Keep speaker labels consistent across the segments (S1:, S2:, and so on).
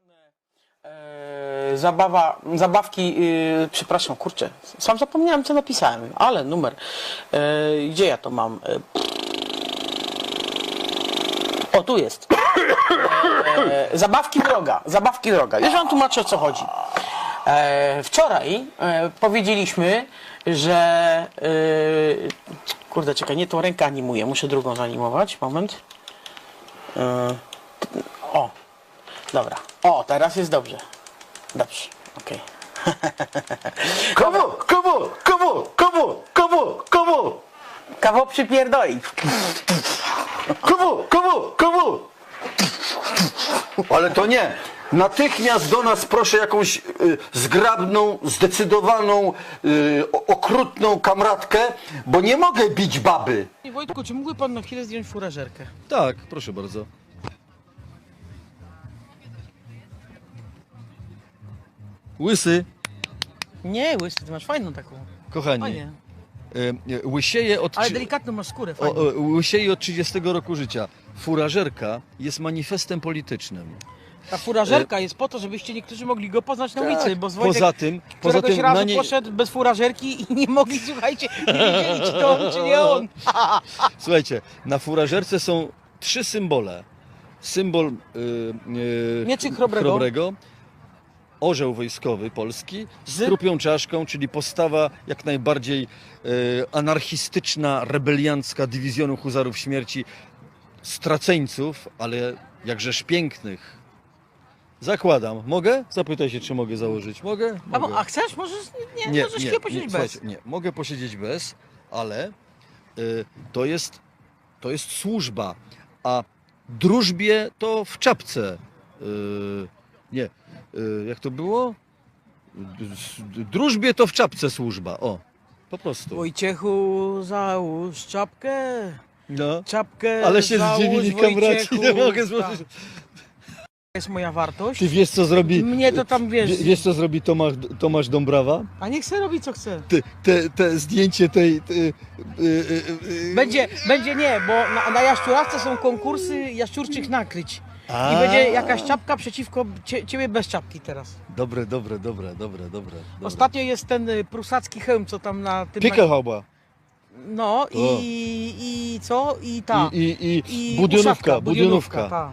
S1: Zabawki, przepraszam, kurczę, sam zapomniałem co napisałem, ale numer, gdzie ja to mam? O, tu jest. Zabawki droga. Już wam tłumaczę, o co chodzi. Wczoraj powiedzieliśmy, że... kurde, czekaj, nie tą rękę animuję, muszę drugą zanimować, moment. O, dobra. O, teraz jest dobrze. Dobrze, okej.
S2: Komu?
S1: Kawał przypierdoli.
S2: Komu? Ale to nie. Natychmiast do nas proszę jakąś zgrabną, zdecydowaną, okrutną kamratkę, bo nie mogę bić baby.
S1: Wojtku, czy mógłby pan na chwilę zdjąć furażerkę?
S3: Tak, proszę bardzo. Łysy,
S1: Nie, łysy, ty masz fajną taką.
S3: kochani,
S1: Fajnie.
S3: łysieje od,
S1: Ale delikatną masz skórę, fajnie.
S3: łysieje od 30 roku życia. Furażerka jest manifestem politycznym.
S1: Ta furażerka jest po to, żebyście niektórzy mogli go poznać na ulicy, bo Wojtek
S3: poza tym
S1: któregoś razu
S3: na niej,
S1: poszedł bez furażerki i nie mogli, słuchajcie, nie wiedzieli, czy to on, czy nie on.
S3: słuchajcie, na furażerce są 3 symbole. Symbol
S1: Mieczyk chrobrego.
S3: Orzeł wojskowy polski z trupią czaszką, czyli postawa jak najbardziej anarchistyczna, rebeliancka dywizjonu huzarów śmierci, straceńców, ale jakżeż pięknych. Zakładam. Mogę? Zapytaj się, czy mogę założyć. Mogę? Mogę.
S1: A chcesz? Możesz, nie, możesz chwilę posiedzieć bez.
S3: Słuchajcie, nie, mogę posiedzieć bez, ale to jest służba, a drużbie to w czapce. Jak to było? Drużbie to w czapce służba. O, po prostu.
S1: Wojciechu, załóż czapkę.
S3: No.
S1: Czapkę
S3: Ale się
S1: załóż,
S3: zdziwili kamraci,
S1: Wojciechu.
S3: nie mogę
S1: Tak.
S3: złożyć.
S1: To jest moja wartość.
S3: Ty wiesz, co zrobi...
S1: Mnie to tam, wiesz...
S3: Wiesz, co zrobi Tomasz Dąbrawa?
S1: A niech se robi, co chce.
S3: Te zdjęcie tej...
S1: Będzie nie, bo na jaszczurawce są konkursy jaszczurczych nakryć. I będzie jakaś czapka przeciwko ciebie bez czapki teraz.
S3: Dobre.
S1: Ostatnio jest ten prusacki hełm, co tam na tym...
S3: Pickelhauba.
S1: No i co? I ta.
S3: I
S1: uszawka,
S3: budionówka.
S1: ta.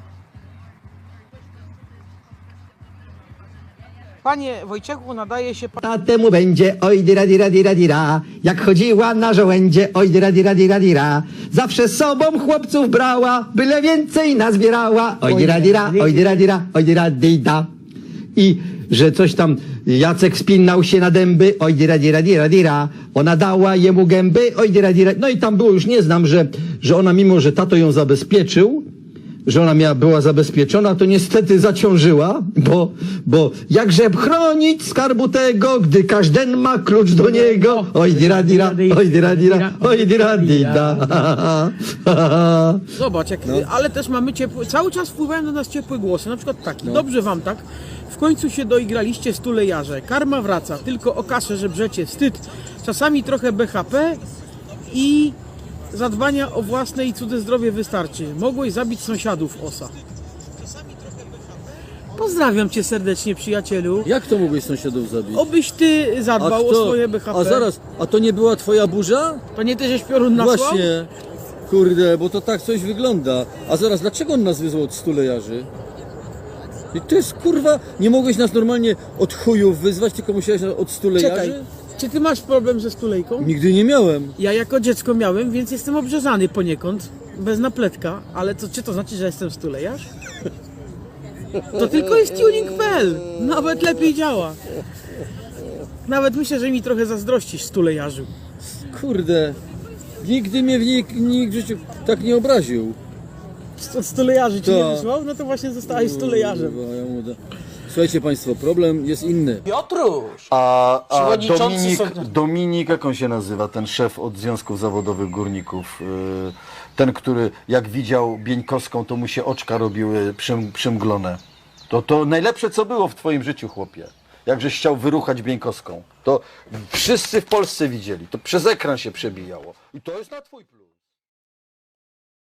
S1: Panie Wojciechu, nadaje się...
S4: A temu będzie oj dira dira dira dira, jak chodziła na żołędzie, oj dira dira dira dira. Zawsze z sobą chłopców brała, byle więcej nazbierała, oj dira dira, oj dira dira, oj dira dida. I że coś tam Jacek spinał się na dęby, oj dira dira dira dira. Ona dała jemu gęby, oj dira dira. No i tam było, już nie znam, że ona mimo, że tato ją zabezpieczył, że ona była zabezpieczona, to niestety zaciążyła, bo jakże chronić skarbu tego, gdy każden ma klucz do niego. Oj dira dira, oj dira dira, oj dira dida.
S1: Zobacz, ale też mamy ciepłe, cały czas wpływają do nas ciepłe głosy, na przykład taki, dobrze wam tak, w końcu się doigraliście stulejarze, karma wraca, tylko o kaszę żebrzecie, wstyd, czasami trochę BHP i zadbania o własne i cudze zdrowie wystarczy. Mogłeś zabić sąsiadów, osa. Pozdrawiam cię serdecznie, przyjacielu.
S5: Jak to mogłeś sąsiadów zabić?
S1: Obyś ty zadbał o swoje BHP.
S5: A zaraz, a to nie była twoja burza?
S1: To nie ty, żeś piorun nasłał?
S5: Właśnie, kurde, bo to tak coś wygląda. A zaraz, dlaczego on nas wyzwał od stulejarzy? I to jest kurwa, nie mogłeś nas normalnie od chujów wyzwać, tylko musiałeś nas od stulejarzy?
S1: Czekaj, czy ty masz problem ze stulejką?
S5: Nigdy nie miałem.
S1: Ja jako dziecko miałem, więc jestem obrzezany poniekąd, bez napletka, ale czy to znaczy, że jestem stulejarz? To tylko jest tuning.pl, nawet lepiej działa. Nawet myślę, że mi trochę zazdrościsz, stulejarzu.
S5: Kurde, nigdy mnie nikt w życiu tak nie obraził.
S1: Od stulejarzy ci nie
S5: Tak.
S1: wysłał? No to właśnie zostałeś stulejarzem.
S5: Kurwa, ja mu da- Słuchajcie państwo, problem jest inny.
S1: Piotruś!
S2: A
S1: Przewodniczący
S2: Dominik, jak on się nazywa, ten szef od Związków Zawodowych Górników? Ten, który jak widział Bieńkowską, to mu się oczka robiły przymglone. To najlepsze, co było w twoim życiu, chłopie. Jakżeś chciał wyruchać Bieńkowską. To wszyscy w Polsce widzieli. To przez ekran się przebijało. I to jest na twój plus.